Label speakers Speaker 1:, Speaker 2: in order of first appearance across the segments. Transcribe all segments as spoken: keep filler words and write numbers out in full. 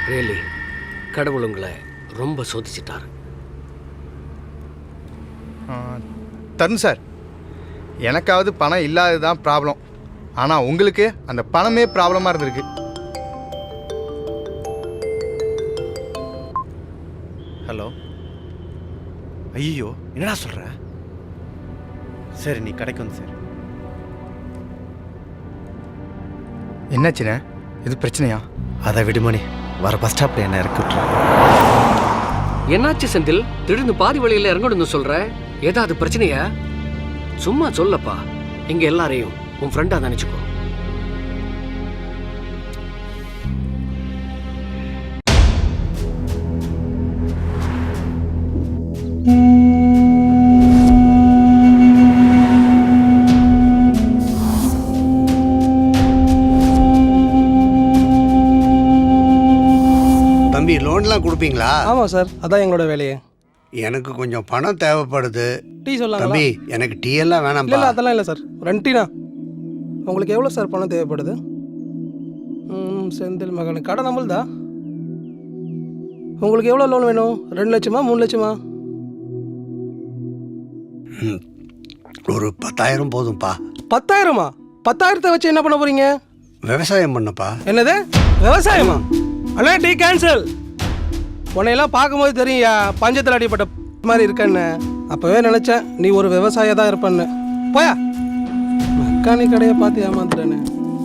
Speaker 1: Really கடவுள் உங்களை ரொம்ப சோதிச்சிட்டார்.
Speaker 2: தருண் சார், எனக்காவது பணம் இல்லாதது தான் ப்ராப்ளம். ஆனால் உங்களுக்கு அந்த பணமே ப்ராப்ளமாக இருந்திருக்கு.
Speaker 3: ஹலோ. ஐயோ, என்னடா சொல்கிற? சரி, நீ கடைக்கு வந்து சார்.
Speaker 2: என்னாச்சுண்ணே? இது பிரச்சனையா?
Speaker 3: அதை விடுமணி, வர பஸ் ஸ்டாப்பில் என்ன இறக்கி விட்டுறேன்.
Speaker 1: என்னாச்சு செந்தில்? திடீர்னு பாதி வழியில் இறங்கணும்னு சொல்ற. ஏதாவது பிரச்சனையா? சும்மா சொல்லப்பா. இங்க எல்லாரையும் உன் ஃப்ரெண்டா நினைச்சுக்கோ.
Speaker 4: தம்பி, லோன்லாம் கொடுப்பீங்களா?
Speaker 5: ஆமாம் சார், அதான் எங்களோட வேலையே.
Speaker 4: எனக்கு கொஞ்சம் பணம் தேவைப்படுது.
Speaker 5: டீ சொல்லலாம்
Speaker 4: தம்பி, எனக்கு டீ எல்லாம் வேணாம்.
Speaker 5: இல்லை அதெல்லாம் இல்லை சார், ரெண்டு டீனா. உங்களுக்கு எவ்வளோ சார் பணம் தேவைப்படுது? ம் செந்தில் மகன் கடை நம்மள்தா. உங்களுக்கு எவ்வளோ லோன் வேணும்? ரெண்டு லட்சமா மூணு லட்சமா?
Speaker 4: ஒரு பத்தாயிரம் போதும்ப்பா.
Speaker 5: பத்தாயிரமா? பத்தாயிரத்தை வச்சு என்ன பண்ண போறீங்க?
Speaker 4: விவசாயம் பண்ணப்பா.
Speaker 5: என்னது விவசாயமா? அண்ணா டீ கேன்சல். உன்னையெல்லாம் பார்க்கும்போது தெரியும்யா, பஞ்சத்தில் அடிப்பட்ட மாதிரி இருக்கன்னு. அப்போவே நினச்சேன் நீ ஒரு விவசாய தான் இருப்பேன்னு. போயா, மெக்கானிக் கடையை பார்த்து ஏமாத்துறேன்னு.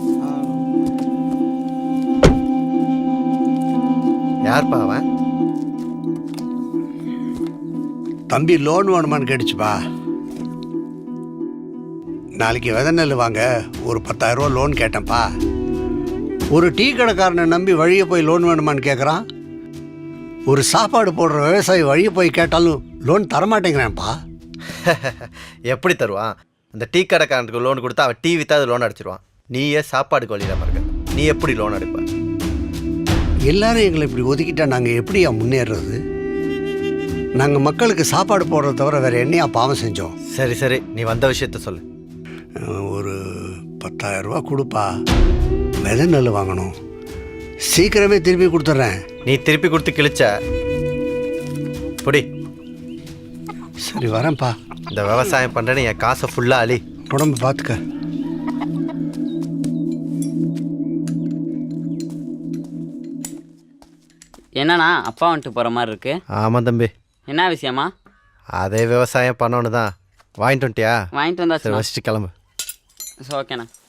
Speaker 3: யார்ப்பா அவன்?
Speaker 4: தம்பி, லோன் வேணுமான்னு கேட்டுச்சுப்பா. நாளைக்கு விதை நெல் வாங்க ஒரு பத்தாயிரம் ரூபா லோன் கேட்டேன்ப்பா. ஒரு டீ கடைக்காரனை நம்பி வழியை போய் லோன் வேணுமான்னு கேட்குறான். ஒரு சாப்பாடு போடுற விவசாயி வழியை போய் கேட்டாலும் லோன் தரமாட்டேங்கிறான்ப்பா.
Speaker 3: எப்படி தருவான்? அந்த டீ கடைக்காரனுக்கு லோன் கொடுத்தா அவன் டீ விற்றாது லோன் அடிச்சிருவான். நீயே சாப்பாடுக்கு வழியிடாம இருக்க, நீ எப்படி லோன் அடிப்ப?
Speaker 4: எல்லாரும் எங்களை இப்படி ஒதுக்கிட்டா நாங்கள் எப்படியா முன்னேறது? நாங்கள் மக்களுக்கு சாப்பாடு போடுறத தவிர வேறு என்னையா பாவம் செஞ்சோம்?
Speaker 3: சரி சரி, நீ வந்த விஷயத்த சொல்லு.
Speaker 4: ஒரு பத்தாயிரம் ரூபா கொடுப்பா. விதை நெல் வாங்கணும். சீக்கிரமே திருப்பி கொடுத்துட்றேன்.
Speaker 3: நீ திருப்பி கொடுத்து கிழிச்ச பொடி.
Speaker 4: சரி வரேன்ப்பா.
Speaker 3: இந்த விவசாயம் பண்ணுறேன்னு என் காசை ஃபுல்லாக அழி.
Speaker 4: உடம்பு பார்த்துக்க.
Speaker 6: என்னண்ணா அப்பா வந்துட்டு போகிற மாதிரி இருக்கு?
Speaker 3: ஆமாம் தம்பி.
Speaker 6: என்ன விஷயமா?
Speaker 3: அதே விவசாயம் பண்ணோன்னு தான். வாங்கிட்டு வந்துட்டியா?
Speaker 6: வாங்கிட்டு வந்தா
Speaker 3: சரி, வச்சுட்டு கிளம்பு.
Speaker 6: ஓகேண்ணா.